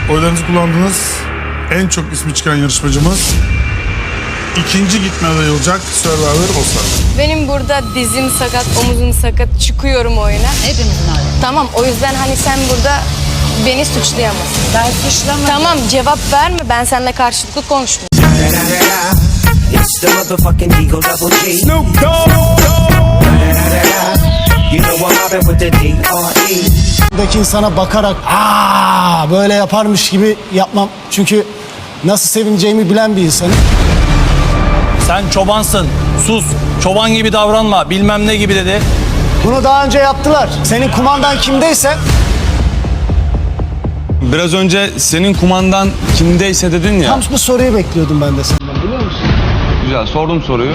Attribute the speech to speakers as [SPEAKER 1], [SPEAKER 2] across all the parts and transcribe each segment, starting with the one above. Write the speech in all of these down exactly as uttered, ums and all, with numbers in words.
[SPEAKER 1] Oylarınızı kullandınız. En çok ismi çıkan yarışmacımız ikinci gitme adayı olacak Survivor All-Star.
[SPEAKER 2] Benim burada dizim sakat, omuzum sakat, çıkıyorum oyuna.
[SPEAKER 3] Hepimizin hali.
[SPEAKER 2] Tamam, o yüzden hani sen burada beni suçlayamazsın.
[SPEAKER 3] Ben suçlamadım.
[SPEAKER 2] Tamam, cevap verme, ben seninle karşılıklı konuşmuyorum.
[SPEAKER 4] It's the motherfucking Eagle Double G. Snoop Dogg. You know I'm mobbing with the D R E.
[SPEAKER 5] Buradaki insana bakarak aa böyle yaparmış gibi yapmam. Çünkü nasıl sevineceğimi bilen bir insanım.
[SPEAKER 6] Sen çobansın, sus, çoban gibi davranma, bilmem ne gibi dedi.
[SPEAKER 5] Bunu daha önce yaptılar. Senin kumandan kimdeyse
[SPEAKER 7] Biraz önce senin kumandan kimdeyse dedin ya.
[SPEAKER 5] tam bu soruyu bekliyordum ben de senden, biliyor musun?
[SPEAKER 7] Güzel, sordum soruyu.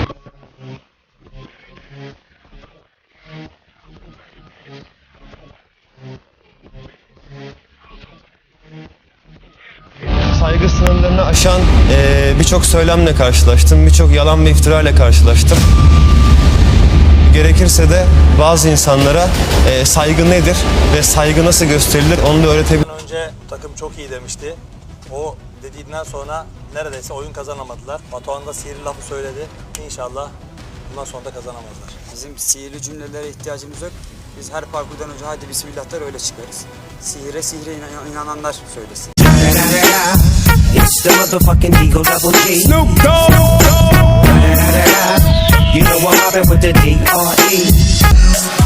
[SPEAKER 8] Saygı sınırlarını aşan eee, birçok söylemle karşılaştım, birçok yalan ve iftirayla karşılaştım. Gerekirse de bazı insanlara eee, saygı nedir ve saygı nasıl gösterilir onu da öğretebilirim.
[SPEAKER 6] Önce takım çok iyi demişti. O dediğinden sonra neredeyse oyun kazanamadılar. Batuhan da sihirli lafı söyledi. İnşallah bundan sonra da kazanamazlar.
[SPEAKER 9] Bizim sihirli cümlelere ihtiyacımız yok. Biz her parkurdan önce hadi bismillah der öyle çıkarız. Sihire sihire inan- inananlar söylesin.
[SPEAKER 4] It's the motherfucking Eagle Double G. Snoop Dogg. You know I'm mobbing with the D R E.